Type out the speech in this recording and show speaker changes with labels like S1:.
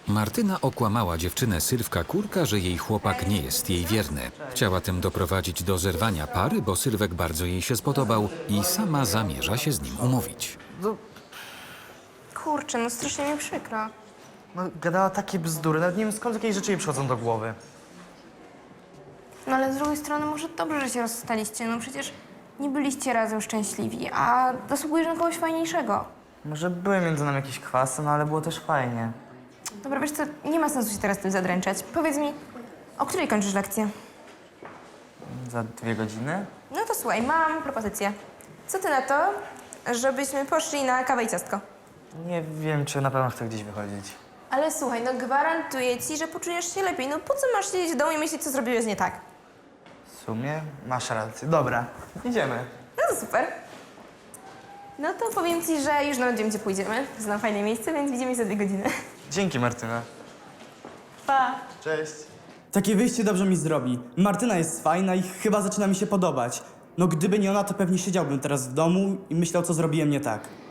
S1: Martyna okłamała dziewczynę Sylwka Kurka, że jej chłopak nie jest jej wierny. Chciała tym doprowadzić do zerwania pary, bo Sylwek bardzo jej się spodobał i sama zamierza się z nim umówić.
S2: Kurczę, no strasznie mi przykro.
S3: No, gadała takie bzdury, nawet nie wiem skąd jakieś rzeczy jej przychodzą do głowy.
S2: No ale z drugiej strony może dobrze, że się rozstaliście. No przecież nie byliście razem szczęśliwi, a zasługujesz na kogoś fajniejszego.
S3: Może były między nami jakieś kwasy, no ale było też fajnie.
S2: Dobra, wiesz co, nie ma sensu się teraz tym zadręczać. Powiedz mi, o której kończysz lekcję?
S3: Za 2 godziny?
S2: No to słuchaj, mam propozycję. Co ty na to, żebyśmy poszli na kawę i ciastko?
S3: Nie wiem, czy na pewno chcę gdzieś wychodzić.
S2: Ale słuchaj, no gwarantuję ci, że poczujesz się lepiej. No po co masz siedzieć w domu i myśleć, co zrobiłeś nie tak?
S3: W sumie masz rację. Dobra, idziemy.
S2: No to super. No to powiem ci, że już nawet wiem, gdzie pójdziemy. Znam fajne miejsce, więc widzimy się za 2 godziny.
S3: Dzięki, Martyna.
S2: Pa!
S3: Cześć.
S4: Takie wyjście dobrze mi zrobi. Martyna jest fajna i chyba zaczyna mi się podobać. No gdyby nie ona, to pewnie siedziałbym teraz w domu i myślał, co zrobiłem nie tak.